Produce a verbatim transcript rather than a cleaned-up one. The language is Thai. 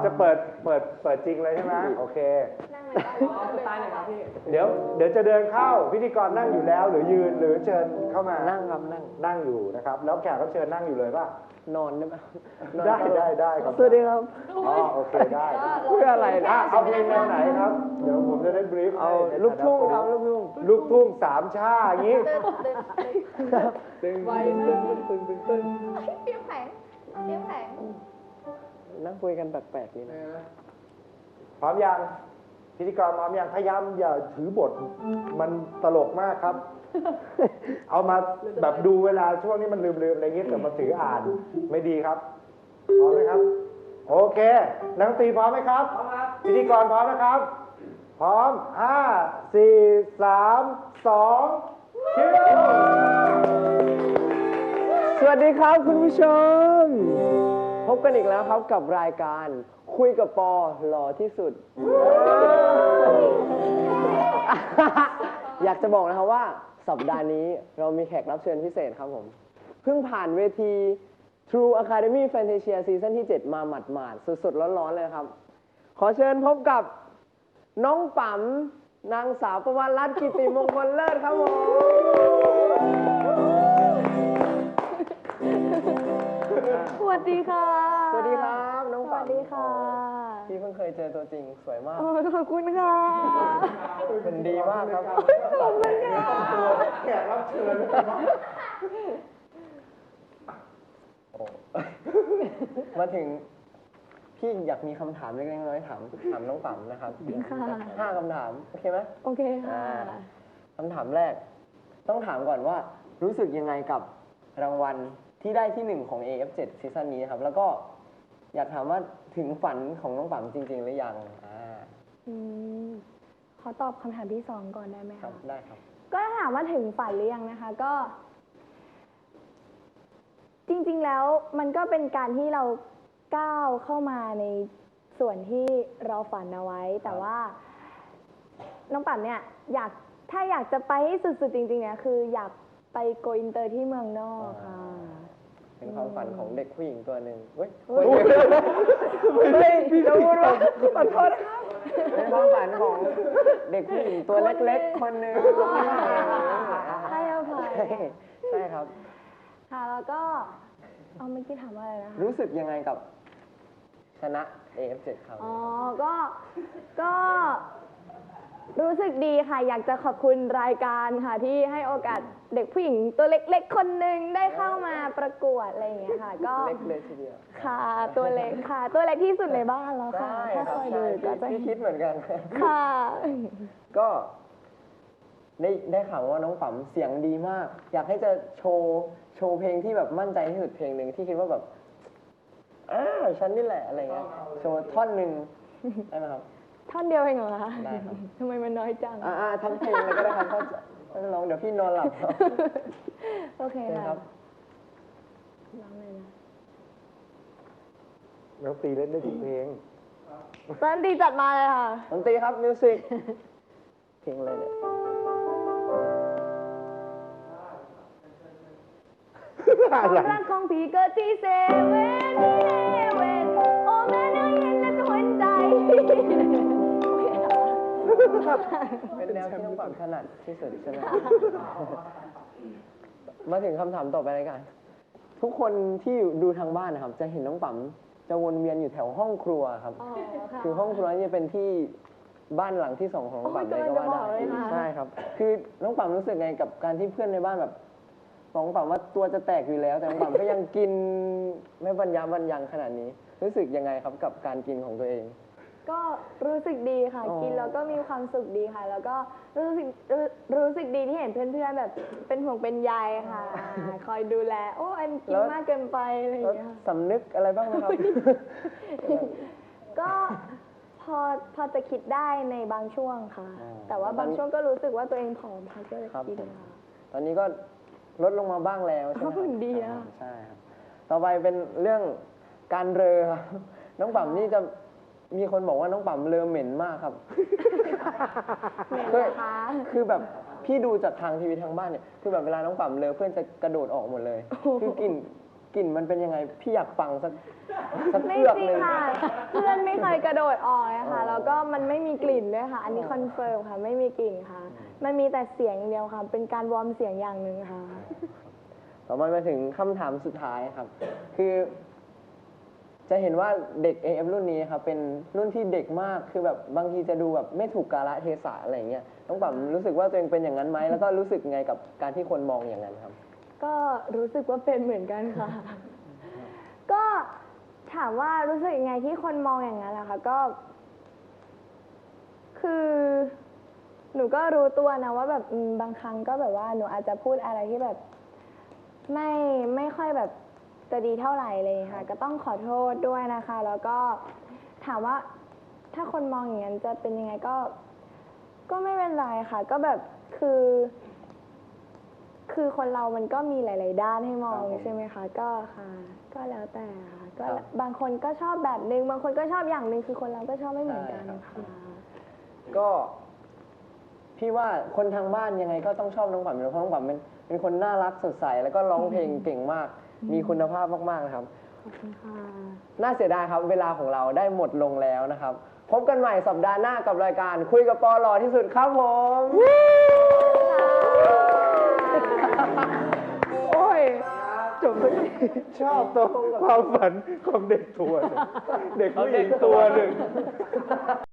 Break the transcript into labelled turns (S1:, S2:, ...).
S1: จะเปิดเปิดเปิดจริงเลยใช่ไหมโอเคนั่งเลยตายเลยครับพี่เดี๋ยวเดี๋ยวจะเดินเข้าพิธีกรนั่งอยู่แล้วหรือยืนหรือเชิญเข้ามานั่งครับนั่งนั่งอยู่นะครับแล้วแขกรับเชิญนั่งอยู่เลยป่ะนอนได้ไหมได้ได้ได้ครับสวัสดีครับอ๋อโอเคได้เพื่ออะไรนะเอาเพลงแนวไหนครับเดี๋ยวผมจะได้บรีฟเอาลูกทุ่งครับลูกทุ่งลูกทุ่งสามชาอย่างนี้ตึงไวตึงตึงตึงตึงเปียกแข็งเปียกแข็งนั่งคุยกันแปลกๆนี่นะพร้อมยังพิธีกรพร้อมยังพยายามอย่าถือบทมันตลกมากครับเอามาแบบดูเวลาช่วงนี้มันลืมๆอะไรเงี้ยแต่มาถืออ่านไม่ดีครับพร้อมไหมครับโอเคนักดนตรีพร้อมไหมครับพร้อมครับพิธีกรพร้อมนะครับพร้อมห้าสี่สามสองคิวสวัสดีครับคุณผู้ชมพบกันอีกแล้วครับกับรายการคุยกับปอหล่อที่สุด อยากจะบอกนะครับว่าสัปดาห์นี้เรามีแขกรับเชิญพิเศษครับผมเพิ่งผ่านเวที True Academy Fantasia ซีซั่นที่เจ็ดมาหมาดๆสดๆร้อนๆเลยครับขอเชิญพบกับน้องป๋มนางสาวประวัติรัตน์กิติมงคลเลิศครับผม
S2: สวัสดีค่ะ
S1: สวัสดีครับน้องป๋ม
S2: สวัสดีค่ะ
S1: พี่เพิ่งเคยเจอตัวจริงสวยมาก
S2: ขอบคุณค่ะ
S1: เป็นดีมากครับ
S2: ขอบคุณค่ะ
S1: แขกรับเชิญมาถึงพี่อยากมีคำถามเล็กๆน้อยๆถามถามน้องป๋มนะครับห้าคำถามโอเคไหม
S2: โอเคค่ะ
S1: คำถามแรกต้องถามก่อนว่ารู้สึกยังไงกับรางวัลที่ได้ที่หนึ่งของ เอ เอฟ เจ็ด ซีซั่นนี้ครับแล้วก็อยากถามว่าถึงฝันของน้องป๋มจริงๆหรือยังอ่า
S2: อืมขอตอบคำถามที่สองก่อนได้ไหมคะ
S1: ครับได้ครับ
S2: ก็ถามว่าถึงฝันหรือยังนะคะก็จริงๆแล้วมันก็เป็นการที่เราก้าวเข้ามาในส่วนที่เราฝันเอาไว้แต่ว่าน้องป๋มเนี่ยอยากถ้าอยากจะไปให้สุดๆจริงๆเนี่ยคืออยากไปโกอินเตอร์ที่เมืองนอกค่ะ
S1: เป็นความฝันของเด็กผู้หญิงตัวหนึ่งเฮ้ยไม่พี่จะพูดว่าขอโทษนะครับเป็นความฝันของเด็กผู้หญิงตัวเล็กๆคนหนึ่ง
S2: ให้อภัย
S1: ใช่ครับ
S2: ค่ะแล้วก็เอาเมื่อกี้ถามว่าอะไรนะคะ
S1: รู้สึกยังไงกับชนะ เอ เอฟ เจ็ด ครับ
S2: อ๋อก็ก็รู้สึกดีค่ะอยากจะขอบคุณรายการค่ะที่ให้โอกาสเด็กผู้หญิงตัวเล็กๆคนหนึ่งได้เข้ามาประกวดอะไรอย่างเงี้ยค่ะก็
S1: เล็กเลยทีเดียว
S2: ค่ะตัวเล็กค่ะตัวเล็กที่สุดในบ้านแล้วค่ะถ้าคอยดูก็จะ
S1: พี่คิดเหมือนกัน
S2: ค่ะ
S1: ก็ได้ได้ข่าวว่าน้องป๋มเสียงดีมากอยากให้จะโชว์โชว์เพลงที่แบบมั่นใจที่สุดเพลงหนึ่งที่คิดว่าแบบอ้าฉันนี่แหละอะไรเงี้ยโชว์ท่อนหนึ่งได้ไหมครับ
S2: ท่อนเดียวเองเหรอคะได้ครับทำไมมันน้อยจัง
S1: อ่าทั้งเพลงเลยก็ได้ครับถ้าร้องเดี๋ยวพี่นอนหลับ
S2: โอเคค่ะร้องเลยนะ
S1: น้องตีเล่นได้ทุกเพลง
S2: ดนตรีจัดมาเลยค่ะ
S1: ดนตรีครับมิวสิกเพลงอะไรเนี่ย
S2: ความรักของพี่เกิดที่เซเว่นเฮเว่นโอ้แม่น้อยเห็นแล้วจะหัวใจ
S1: เป็นแนวที่น้องป๋มถนัดที่สุดใช่ไหมมาถึงคำถามต่อไปเลยกันทุกคนที่ดูทางบ้านนะครับจะเห็นน้องป๋มจะวนเวียนอยู่แถวห้องครัวครับคือห้องครัวนี่เป็นที่บ้านหลังที่สองของน้องป๋มเลยก็ว่าได้ใช่ครับคือน้องป๋มรู้สึกไงกับการที่เพื่อนในบ้านแบบบอกน้องป๋มว่าตัวจะแตกอยู่แล้วแต่น้องป๋มก็ยังกินไม่บรรยาบรรยังขนาดนี้รู้สึกยังไงครับกับการกินของตัวเอง
S2: ก็รู้สึกดีค่ะกินแล้วก็มีความสุขดีค่ะแล้วก็รู้สึกรู้สึกดีที่เห็นเพื่อนๆแบบเป็นห่วงเป็นใยค่ะคอยดูแลโอ้อันกินมากเกินไปอะไรอย่างเงี้ย
S1: สำนึกอะไรบ้างไหมครับ
S2: ก็พอพอจะคิดได้ในบางช่วงค่ะแต่ว่าบางช่วงก็รู้สึกว่าตัวเองผอมค่ะก็เลยกินค่ะ
S1: ตอนนี้ก็ลดลงมาบ้างแล้วใช่ไหม
S2: ครับดีนะ
S1: ใช่ครับต่อไปเป็นเรื่องการเรอครับน้องป๋มนี่จะมีคนบอกว่าน้องป๋มเลอเหม็นมากครับ
S2: เหม็นนะคะ
S1: คือแบบพี่ดูจากทางทีวีทางบ้านเนี่ยคือแบบเวลาน้องป๋มเลอเพื่อนจะกระโดดออกหมดเลยคือกลิ่น
S3: กลิ่นมันเป็นยังไงพี่อยากฟังสักสัก
S2: ไม่
S3: เพือก
S2: จริ
S3: ห
S2: ง
S3: นึ่ง
S2: ค่ะ เพื่อนไม่เคยกระโดดออกเลยค่ะ แล้วก็มันไม่มีกลิ่นด้วยค่ะ อันนี้คอนเฟิร์มค่ะ ไม่มีกลิ่นค่ะ มันมีแต่เสียงอย่างเดียวค่ะ เป็นการวอร์มเสียงอย่างหนึ่งค่ะ
S3: ต่อมามาถึงคำถามสุดท้ายครับ คือ จะเห็นว่าเด็ก เอ เอฟ รุ่นนี้ครับเป็นรุ่นที่เด็กมากคือแบบบางทีจะดูแบบไม่ถูกกาลเทศะอะไรอย่างเงี้ยน้องปั๊มรู้สึกว่าตัวเองเป็นอย่างนั้นไหมแล้วก็รู้สึกไงกับการที่คนมองอย่างนั้นครับ
S2: ก็รู้สึกว่าเป็นเหมือนกันค่ะ ก็ถามว่ารู้สึกยังไงที่คนมองอย่างนั้นนะคะก็ คือ หนูก็รู้ตัวนะว่าแบบอืมบางครั้งก็แบบว่าหนูอาจจะพูดอะไรที่แบบ ไม่ไม่ค่อยแบบจะดีเท่าไหร่เลยค่ะ ก็ต้องขอโทษด้วยนะคะ แล้วก็ถามว่าถ้าคนมองอย่างนั้นจะเป็นยังไงก็ ก็ไม่เป็นไรค่ะ ก็แบบคือ คือคนเรามันก็มีหลาย ๆ ด้านให้มองใช่ไหมคะ ก็ค่ะ ก็แล้วแต่ค่ะก็บางคนก็ชอบแบบนึง บางคนก็ชอบอย่างหนึ่งคือคนเราก็ชอบไม่เหมือนกันค่ะ
S3: ก็พี่ว่าคนทางบ้านยังไงก็ต้องชอบน้องปั๊มอยู่แล้วเพราะน้องปั๊มเป็นเป็นคนน่ารักสดใสแล้วก็ร้องเพลงเก่งมาก มีคุณภาพมากๆนะครับ
S2: ขอบคุณค่ะ
S3: น่าเสียดายครับเวลาของเราได้หมดลงแล้วนะครับ พบกันใหม่สัปดาห์หน้ากับรายการคุยกับปอหล่อที่สุดครับผม
S1: โอ้ยจบเลยชอบตรงความฝันของเด็กตัวหนึ่งเด็กผู้หญิงตัวหนึ่ง